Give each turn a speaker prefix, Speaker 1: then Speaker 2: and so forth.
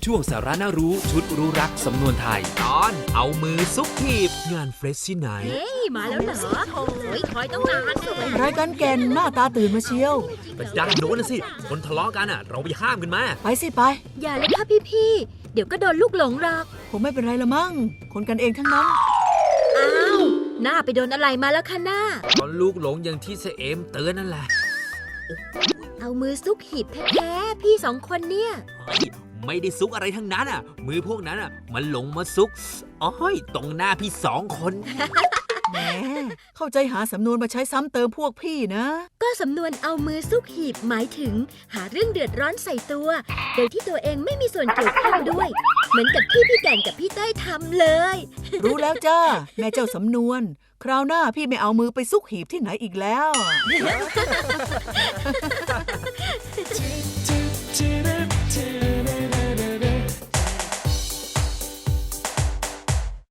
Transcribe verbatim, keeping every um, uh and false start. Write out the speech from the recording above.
Speaker 1: ช่วงสาระน่ารู้ชุดรู้รักสำนวนไทยตอนเอามือซุกหีบงานเฟรชที่ไหน
Speaker 2: เฮ้ยมาแล้วเหรอโอ้ยคอยต้องนานสวย
Speaker 3: รายการแก่นหน้าตาตื่นมาเชียว
Speaker 1: ก็ด้านโน้นนะสิคนทะเลาะกันอ่ะ เราไปห้ามกันมา
Speaker 3: ไปสิไป
Speaker 2: อย่าเลยค่ะพี่ๆเดี๋ยวก็โดนลูกหลงหรอก
Speaker 3: ผมไม่เป็นไรละมั้งคนกันเองทั้งนั้น
Speaker 2: อ้าวหน้าไปโดนอะไรมาแล้วคะหน้า
Speaker 1: ตอนลูกหลงอย่างที่เสเอมเตือนนั่นแหละ
Speaker 2: เอามือซุกหีบแท้ๆพี่สองคนเนี่ย
Speaker 1: เฮ้ยไม่ได้ซุกอะไรทั้งนั้นอ่ะ มือพวกนั้นอ่ะ มันหลงมาซุกอ้อยตรงหน้าพี่สองคน
Speaker 3: แหมเข้าใจหาสำนวนมาใช้ซ้ำเติมพวกพี่นะ
Speaker 2: ก็สำนวนเอามือซุกหีบหมายถึง หาเรื่องเดือดร้อนใส่ตัว โดยที่ตัวเองไม่มีส่วนเกี่ยวข้องด้วย เหมือนกับที่พี่แก่นกับพี่เต้ยทำเลย
Speaker 3: รู้แล้วจ้าแม่เจ้าสำนวน คราวหน้าพี่ไม่เอามือไปซุกหีบที่ไหนอีกแล้ว